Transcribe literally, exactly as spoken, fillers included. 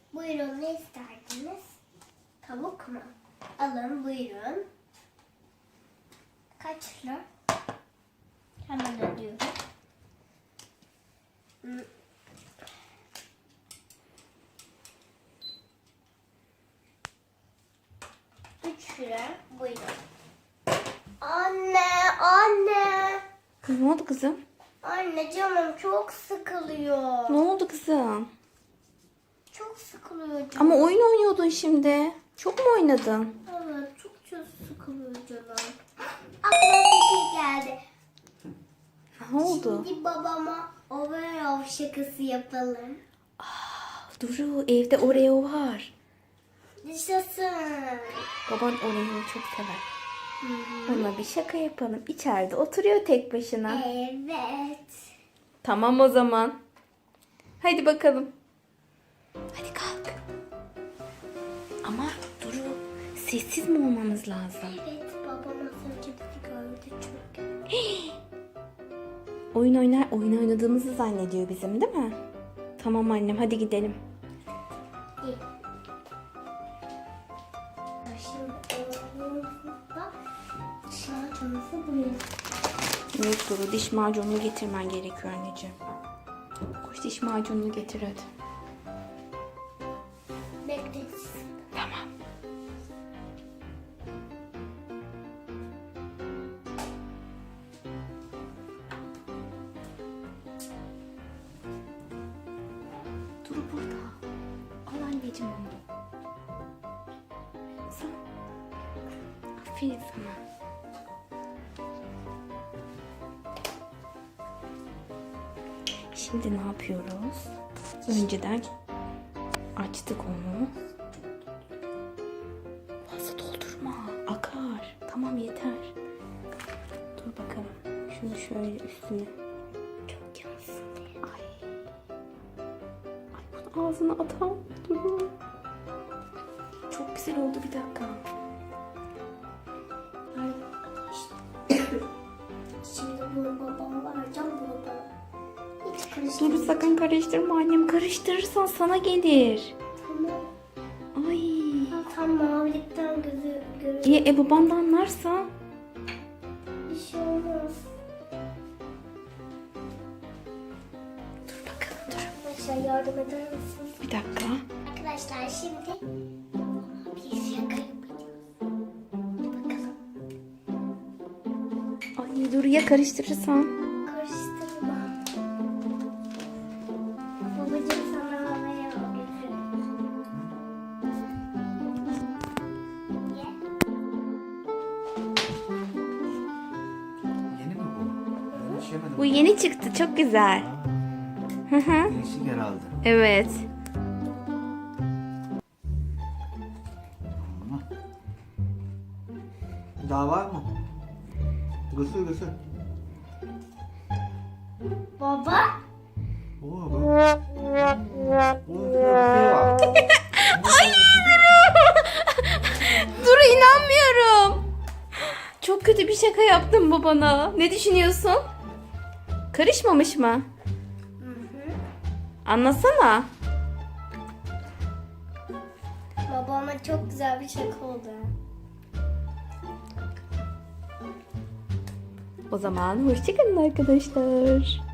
Buyurun, ne isterdiniz? Tavuk mu? Alın, buyurun. Kaç lira? Hemen ödüyorum. Hmm. Üç lira, buyurun. Anne, anne. Kız ne oldu kızım? Anne, canım çok sıkılıyor. Ne oldu kızım? Çok sıkılıyor canım. Ama oyun oynuyordun şimdi. Çok mu oynadın? Evet, çok çok sıkılıyor canım. Aklıma fikir geldi. Ne oldu? Şimdi babama overall şakası yapalım. Duru, evde Oreo var. Yaşasın. Baban Oreo'yu çok sever. Ona bir şaka yapalım. İçeride oturuyor tek başına. Evet. Tamam o zaman. Hadi bakalım. Hadi kalk. Ama Duru, sessiz mi olmamız lazım? Evet, babam az önce bizi gördü çünkü. Oyun oynar, oyun oynadığımızı zannediyor bizim, değil mi? Tamam annem, hadi gidelim. İyi. Şimdi oğlumuzda şarjımızı buraya. Evet Duru, diş macununu getirmen gerekiyor anneciğim. Koş diş macununu getir hadi. Bekleriz. Tamam. Duru burada. Al anneciğim onu. Sen. Aferin sana. Şimdi ne yapıyoruz? Önceden açtık onu. Fazla doldurma. Akar. Tamam yeter. Dur bakalım. Şunu şöyle üstüne. Çok yansın diye. Ay. Ay bunu ağzına atam. Dur. Çok güzel oldu, bir dakika. Şimdi bunu babama vereceğim, bunu da. Hiç Dur karıştırmayacağım. sakın karıştırma annem. Karıştırırsan sana gelir. Tamam. Ay. Tam mavilikten gözü görüyor. İyi e baban da anlarsa. Bir şey olmaz. Dur bakalım dur. Arkadaşlar yardım eder misiniz? Bir dakika. Arkadaşlar şimdi bir şaka yapacağız. Bakalım. Ay dur ya karıştırırsan. Karıştırma. Babacığım sana havaya götür. Ye. Yeni mi bu? Ben hiç yemedim. Bu yeni çıktı, çok güzel. Hı hı. Değişik herhalde. Evet. Ama. Daha var mı? Gısır gısır. Baba. Oo, bu. Bunun bir şey var. Duru inanmıyorum. Çok kötü bir şaka yaptın babana. Ne düşünüyorsun? Karışmamış mı? Anlasana. Babama çok güzel bir şaka oldu. O zaman hoşçakalın arkadaşlar.